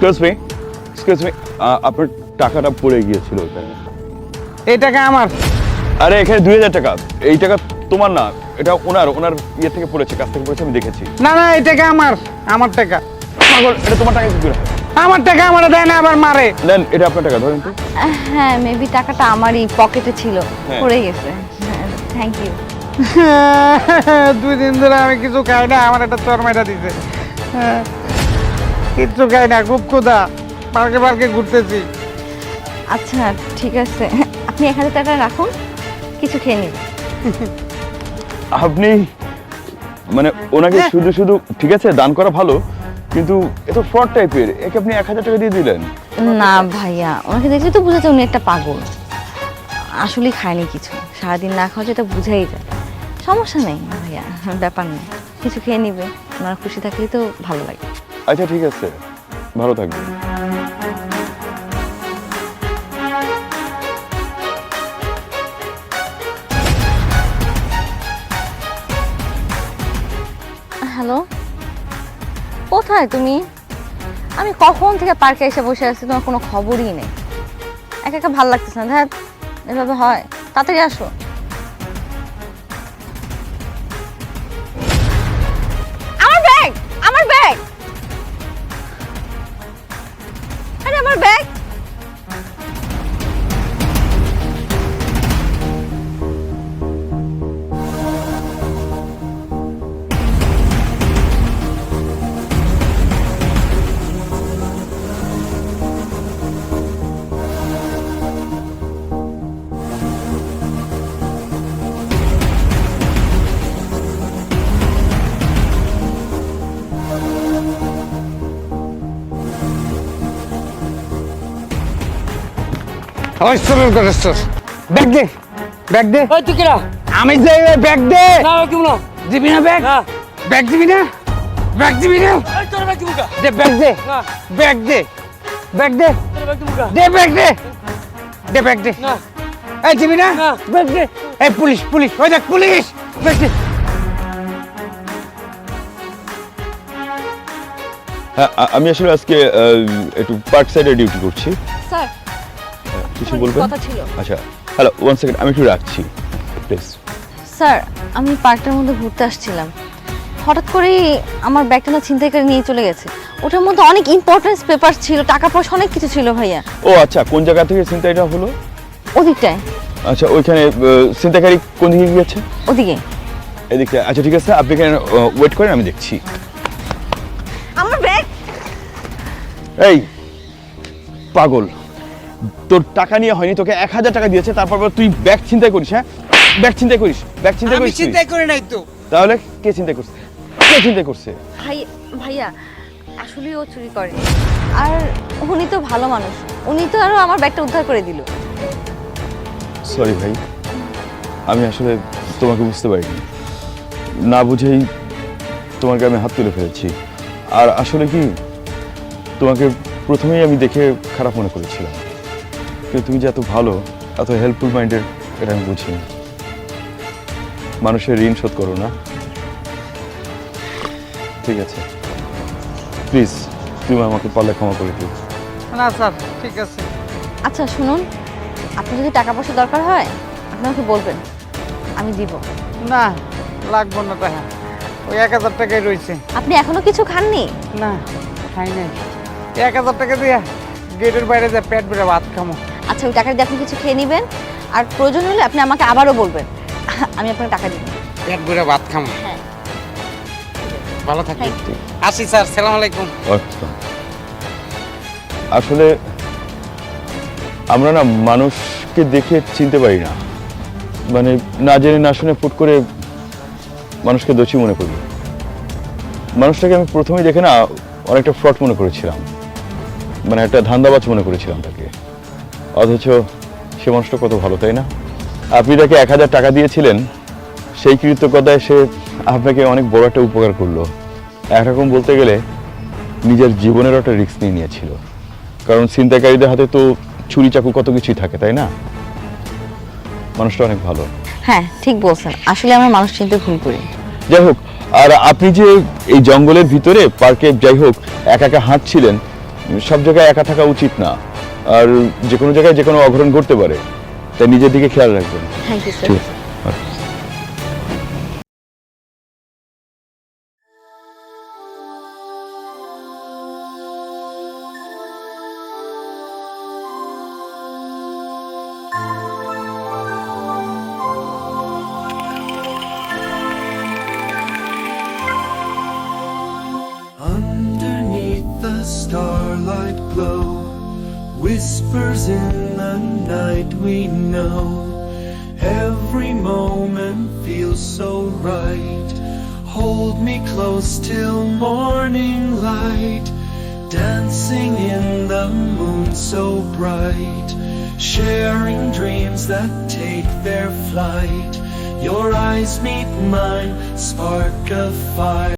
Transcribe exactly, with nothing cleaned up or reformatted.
Excuse me excuse me আপনার টাকাটা পড়ে গিয়েছিল ওখানে। এই টাকা আমার। আরে এখানে দুই হাজার টাকা, এই টাকা তোমার না, এটা ওনার ওনার ইয়ে থেকে পড়েছে, কাছ থেকে পড়েছে, আমি দেখেছি। না না এই টাকা আমার, আমার টাকা। পাগল, এটা তোমার টাকা কি করে হয়? আমার টাকা আমার দেয় না, আবার মারে। নেন, এটা আপনার টাকা, ধরেন তো। হ্যাঁ মেবি টাকাটা আমারই পকেটে ছিল, হ্যাঁ। পড়ে গেছে। Thank you. দুই দিন ধরে আমি কিছু খাই না, আমার একটা চরমাইটা দিছে। হ্যাঁ, কিচ্ছু খাই না, খুব ক্ষুধা, পার্কে পার্কে ঘুরতেছি। আচ্ছা ঠিক আছে, আপনি এক হাজার টাকা রাখুন, কিছু খেয়ে নিন। আপনি মানে ওনাকে শুধু শুধু, ঠিক আছে দান করা ভালো, কিন্তু এ তো ফ্রড টাইপের, একে আপনি এক হাজার টাকা দিয়ে দিলেন। না ভাইয়া, ওনাকে দেখলে তো বোঝা যায় উনি একটা পাগল, আসলে খায়নি কিছু, সারাদিন না খাওয়া যেটা বুঝাই যায়। সমস্যা নেই ভাইয়া, ব্যাপার নেই, কিছু খেয়ে নিবে, ওনারা খুশি থাকলেই তো ভালো লাগে। আচ্ছা ঠিক আছে, ভালো থাকবেন। হ্যালো, কোথায় তুমি? আমি কখন থেকে পার্কে এসে বসে আছি, তোমার কোনো খবরই নেই। একা একা ভালো লাগতেছে না, ধ্যাত এভাবে হয়, তাড়াতাড়ি আসো। আমার ব্যাগ, আমার ব্যাগ, আরে আমার ব্যাগ। ওই সরল করে সর, ব্যাগ দে, ব্যাগ দে। ওই তুই কিরা? আমি যে ব্যাগ দে। না কি বলো? দিবি না ব্যাগ? না। ব্যাগ দিবি না? ব্যাগ দিবি না? এই তোর ব্যাগ দিবুকা। দে ব্যাগ দে, না। ব্যাগ দে, ব্যাগ দে, তোর ব্যাগ দিবুকা। দে ব্যাগ দে, দে ব্যাগ দে। না। এই দিবি না? না। ব্যাগ দে। এই পুলিশ, পুলিশ, ওই দেখ পুলিশ, ব্যাগ দে। হ্যাঁ, আ- আমি আসলে আজকে আহ, একটু পার্ক সাইডে ডিউটি করছি। স্যার, কিছু বলবেন? কথা ছিল। আচ্ছা, হ্যালো, ওয়ান সেকেন্ড, আমি একটু রাখছি প্লিজ। স্যার, আমি পার্কটার মধ্যে ঘুরতে আসছিলাম, হঠাৎ করেই আমার ব্যাগটা না ছিনতাই করে নিয়ে চলে গেছে। ওটার মধ্যে অনেক ইম্পর্টেন্স পেপার ছিল, টাকা পয়সা অনেক কিছু ছিল ভাইয়া। ও আচ্ছা, কোন জায়গা থেকে ছিনতাইটা হলো? ওদিকটায়, আচ্ছা, ওইখানে আহ, ছিনতাইকারী কোন দিকে গিয়েছে? ওদিকে। এদিকে? আচ্ছা ঠিক আছে, আপনি এখানে ওয়েট করেন, আমি দেখছি। আমার ব্যাগ। এই পাগল, তোর টাকা নিয়ে হয়নি, তোকে এক হাজার টাকা দিয়েছে, তারপর আবার তুই ব্যাগ ছিনতাই করিস? হ্যাঁ, ব্যাগ ছিনতাই করিস, ব্যাগ ছিনতাই আমি করিস তুই? চিন্তাই করে নাই তো। তাহলে কে চিন্তাই করছে? কে চিন্তাই করছে? ভাই ভাইয়া, আসলে ও চুরি করে, আর উনি তো ভালো মানুষ, উনি তো আরো আমার ব্যাগটা উদ্ধার করে দিল। সরি ভাই, আমি আসলে তোমাকে বুঝতে পারিনি, না বুঝেই তোমাকে আমি হাত তুলে ফেলেছি। আর আসলে কি, তোমাকে প্রথমেই আমি দেখে খারাপ মনে করেছিলাম, কিন্তু তুমি যে এত ভালো, এত হেল্পফুল মাইন্ডের, এটা আমি বুঝিনি। মানুষের ঋণ শোধ করো না। ঠিক আছে, প্লিজ তুমি আমাকে পারলে ক্ষমা করে দিও। না স্যার, ঠিক আছে। আচ্ছা শুনুন, আপনার যদি টাকা পয়সা দরকার হয় আপনি আমাকে বলবেন, আমি দিব। না, লাগবো না টাকা, ওই এক হাজার টাকাই রয়েছে। আপনি এখনো কিছু খাননি? না, খাই নাই। এক হাজার টাকা দিয়ে গেটের বাইরে যা পেট ভরে ভাত খামো। আচ্ছা, ওই টাকা দিয়ে আপনি কিছু খেয়ে নেবেন, আর প্রয়োজন হলে আপনি আমাকে আবারও বলবেন, আমি আপনাকে টাকা দিব। পেট ভরে ভাত খামো। হ্যাঁ। ভালো থাকবেন। Thank you. আসি স্যার, সালাম আলাইকুম। আচ্ছা, আসলে আমরা না মানুষকে দেখে চিনতে পারি না, মানে না জেনে না শুনে ফুট করে মানুষকে দোষী মনে করি। মানুষটাকে আমি প্রথমেই দেখে না অনেকটা ফ্রড মনে করেছিলাম, মানে একটা ধান্দাবাজ মনে করেছিলাম তাকে, অথচ সে মানুষটা কত ভালো, তাই না? আপনি তাকে এক হাজার টাকা দিয়েছিলেন, সেই কৃতজ্ঞতায় সে আপনাকে অনেক বড় একটা উপকার করলো। একরকম বলতে গেলে নিজের জীবনেরও একটা রিস্ক নিয়ে নিয়েছিল, কারণ ছিনতাইকারীদের হাতে তো ছুরি চাকু কত কিছুই থাকে, তাই না? মানুষটা অনেক ভালো। হ্যাঁ ঠিক বলছেন, আসলে আমরা মানুষ চিনতে ভুল করি। যাই হোক, আর আপনি যে এই জঙ্গলের ভিতরে পার্কে যাই হোক একা একা হাঁটছিলেন, সব জায়গায় একা থাকা উচিত না, আর যে কোনো জায়গায় যে কোনো অঘটন ঘটতে পারে, তাই নিজের দিকে খেয়াল রাখবেন। Thank you sir. ঠিক আছে। Underneath the starlight glow, whispers in the night we know. Every moment feels so right. Hold me close till morning light. Dancing in the moon so bright. Sharing dreams that take their flight. Your eyes meet mine, spark a fire.